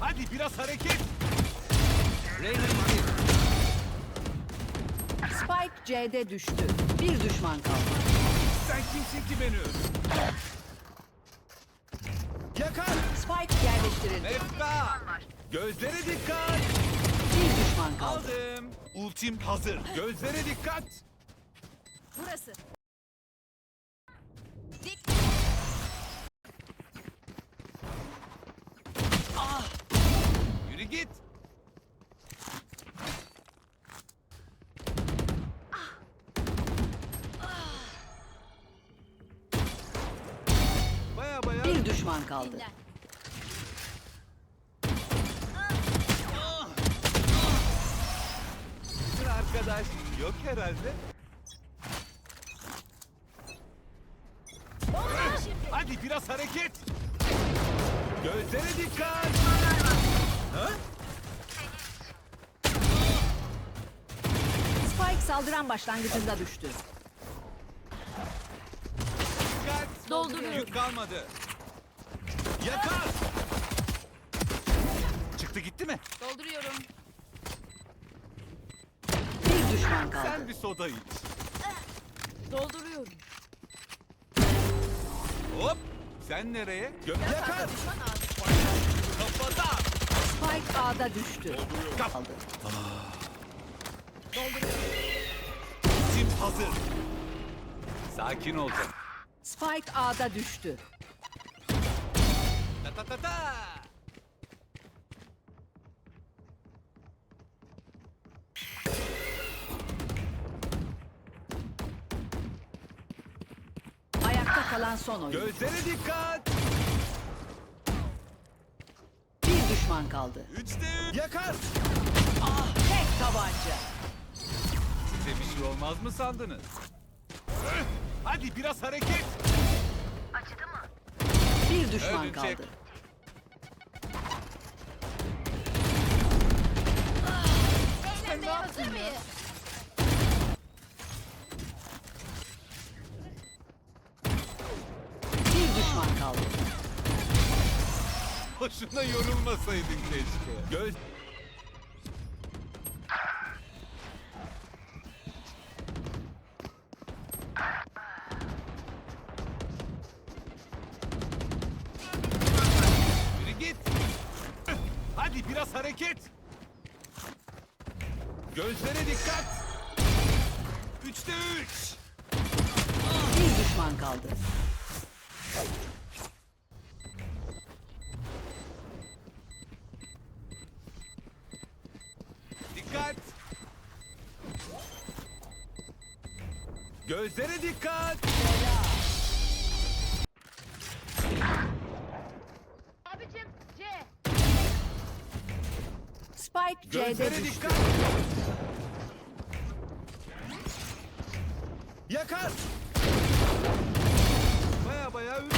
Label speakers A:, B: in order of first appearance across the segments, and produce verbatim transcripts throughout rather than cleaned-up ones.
A: Hadi biraz hareket.
B: Spike C'de düştü. Bir düşman kaldı.
A: Sen kimsin ki beni öldür? Yakar.
B: Spike yerleştirildi.
A: Efka. Gözlere dikkat.
B: Bir düşman kaldı.
A: Aldım. Ultim hazır. Gözlere dikkat.
B: Burası.
A: Yürü git. Baya baya.
B: Bir düşman kaldı.
A: Bütün arkadaş yok herhalde. Hadi biraz hareket. Gözlere dikkat. Ha?
B: Spike saldıran başlangıcında düştü.
A: Dikkat.
B: Dolduruyorum.
A: Yük kalmadı. Yakar. Çıktı gitti mi?
C: Dolduruyorum.
B: Bir düşman kaldı.
A: Sen bir soda iç.
C: Dolduruyorum.
A: Hop. Sen nereye? Gö- Yakar. Kafadan.
B: Spike A'da düştü. Kaldı.
A: Tim hazır. Sakin olacak.
B: Spike A'da düştü.
A: Ta ta ta ta.
B: Ayakta kalan son oyun.
A: Gözlere dikkat.
B: Bir düşman kaldı.
A: Üçte üç. Yakar.
B: Tek tabanca.
A: Size bir şey olmaz mı sandınız? Öh! Hadi biraz hareket.
B: Bir düşman
A: Öldürecek.
B: kaldı.
C: Eğlenmeye hazır mıyız?
B: Bir düşman kaldı.
A: Boşuna yorulmasaydın keşke. Göz... Yürü git. Öh! Hadi biraz hareket. Gözlere dikkat. Üçte üç.
B: Bir düşman kaldı.
A: Dikkat. Gözlere dikkat.
C: Abicim C.
B: Spike C'de
A: Gözlere
B: düştü.
A: dikkat. Yakar. Baya baya üç.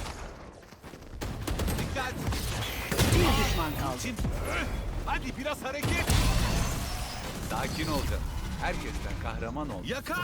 A: Dikkat.
B: Bir düşman kaldı.
A: Çin. Öh! Hadi biraz hareket. Sakin olacaksın. Herkesten kahraman ol. Yakar.